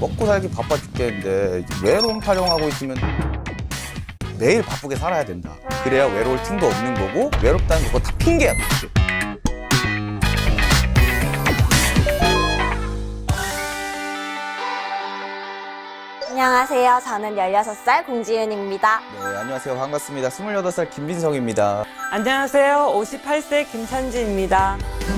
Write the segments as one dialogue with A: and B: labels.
A: 먹고 살기 바빠 죽겠는데 외로움 타령하고 있으면 매일 바쁘게 살아야 된다. 그래야 외로울 틈도 없는 거고 외롭다는 거 다 핑계야. 핑계.
B: 안녕하세요. 저는 16살 공지윤입니다.
A: 네, 안녕하세요. 반갑습니다. 28살 김민성입니다.
C: 안녕하세요. 58세 김찬지입니다.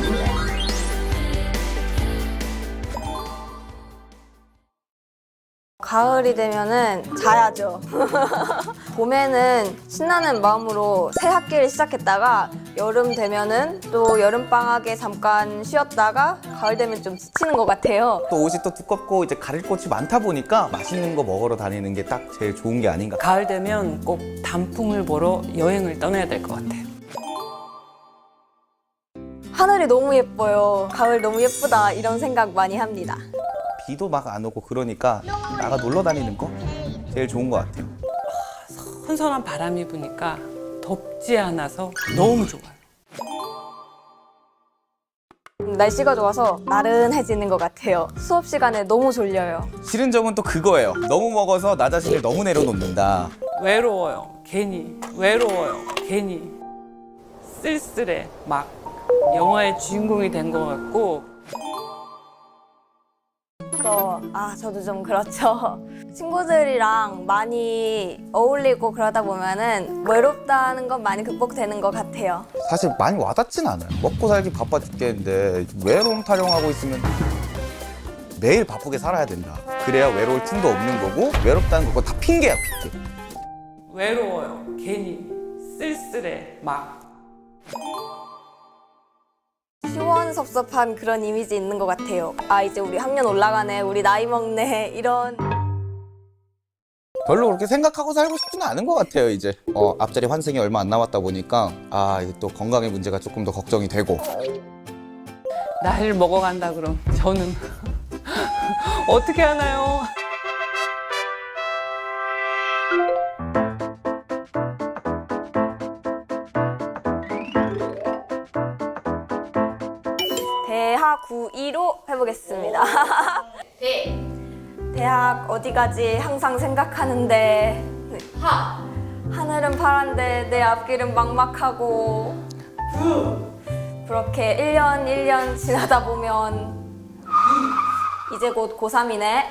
B: 가을이 되면은 자야죠. 봄에는 신나는 마음으로 새 학기를 시작했다가 여름 되면은 또 여름방학에 잠깐 쉬었다가 가을 되면 좀 지치는 것 같아요.
A: 또 옷이 또 두껍고 이제 가릴 곳이 많다 보니까 맛있는 거 먹으러 다니는 게 딱 제일 좋은 게 아닌가.
C: 가을 되면 꼭 단풍을 보러 여행을 떠나야 될 것 같아요.
B: 하늘이 너무 예뻐요. 가을 너무 예쁘다 이런 생각 많이 합니다.
A: 비도 막 안 오고 그러니까 나가 놀러 다니는 거 제일 좋은 것 같아요.
C: 선선한 바람이 부니까 덥지 않아서 너무 좋아요.
B: 날씨가 좋아서 나른해지는 것 같아요. 수업 시간에 너무 졸려요.
A: 싫은 점은 또 그거예요. 너무 먹어서 나 자신을 너무 내려놓는다.
C: 외로워요. 괜히. 외로워요. 괜히. 쓸쓸해. 막 영화의 주인공이 된 것 같고.
B: 저도 좀 그렇죠. 친구들이랑 많이 어울리고 그러다 보면은 외롭다는 건 많이 극복되는 것 같아요.
A: 사실 많이 와닿진 않아요. 먹고 살기 바빠 죽겠는데 외로움 타령하고 있으면 매일 바쁘게 살아야 된다. 그래야 외로울 틈도 없는 거고 외롭다는 거 다 핑계야, 핑계.
C: 외로워요. 괜히. 쓸쓸해. 막.
B: 시원섭섭한 그런 이미지 있는 것 같아요. 아, 이제 우리 학년 올라가네, 우리 나이 먹네, 이런.
A: 별로 그렇게 생각하고 살고 싶지는 않은 것 같아요, 이제. 앞자리 환승이 얼마 안 남았다 보니까 이게 또 건강의 문제가 조금 더 걱정이 되고.
C: 나이를 먹어간다 그럼 저는 어떻게 하나요?
B: 대하 9-2로 해보겠습니다. 대학 어디 가지 항상 생각하는데 하늘은 파란데 내 앞길은 막막하고 그렇게 1년 1년 지나다 보면 이제 곧 고3이네.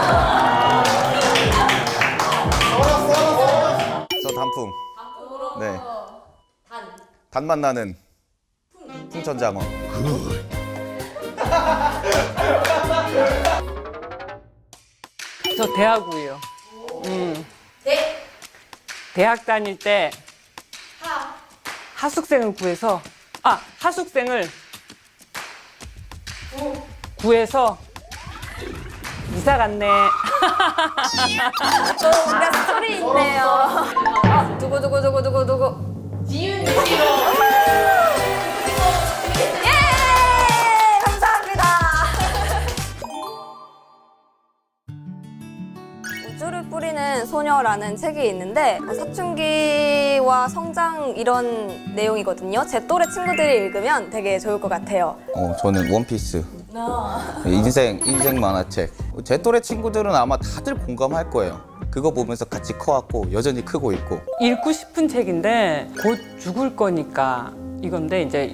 A: 저 단풍. 네. 단맛 나는 풍천장어.
C: 저 대하고요. 대학 다닐 때 하숙생을 구해서 하숙생을 구해서 이사 갔네.
B: 또 뭔가 스토리 있네요. 누구. 지윤 씨로. 예! 감사합니다. 우주를 뿌리는 소녀라는 책이 있는데 사춘기와 성장 이런 내용이거든요. 제 또래 친구들이 읽으면 되게 좋을 것 같아요.
A: 저는 원피스. 인생 만화책. 제 또래 친구들은 아마 다들 공감할 거예요. 그거 보면서 같이 커왔고 여전히 크고 있고.
C: 읽고 싶은 책인데 곧 죽을 거니까 이건데 이제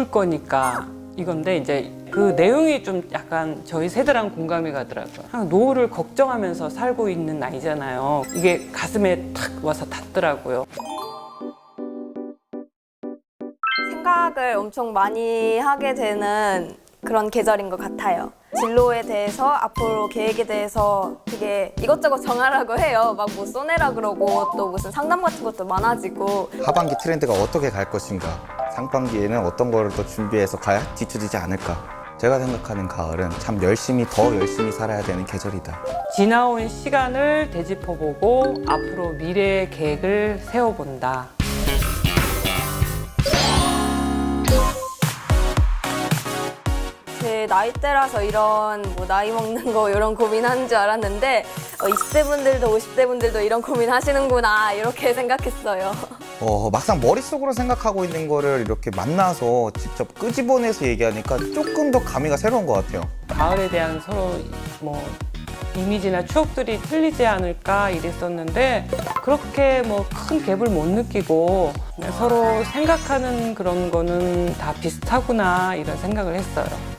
C: 그 내용이 좀 약간 저희 세대랑 공감이 가더라고요. 그냥 노후를 걱정하면서 살고 있는 나이잖아요. 이게 가슴에 탁 와서 닿더라고요.
B: 생각을 엄청 많이 하게 되는 그런 계절인 것 같아요. 진로에 대해서, 앞으로 계획에 대해서 되게 이것저것 정하라고 해요. 막 뭐 써내라 그러고 또 무슨 상담 같은 것도 많아지고.
A: 하반기 트렌드가 어떻게 갈 것인가, 상반기에는 어떤 거를 또 준비해서 가야 뒤처지지 않을까. 제가 생각하는 가을은 참 더 열심히 살아야 되는 계절이다.
C: 지나온 시간을 되짚어보고 앞으로 미래의 계획을 세워본다.
B: 제 나이대라서 이런 뭐 나이 먹는 거 이런 고민하는 줄 알았는데 20대 분들도 50대 분들도 이런 고민 하시는구나 이렇게 생각했어요.
A: 막상 머릿속으로 생각하고 있는 거를 이렇게 만나서 직접 끄집어내서 얘기하니까 조금 더 감회가 새로운 것 같아요.
C: 가을에 대한 서로 뭐 이미지나 추억들이 틀리지 않을까 이랬었는데 그렇게 뭐 큰 갭을 못 느끼고 그냥 서로 생각하는 그런 거는 다 비슷하구나 이런 생각을 했어요.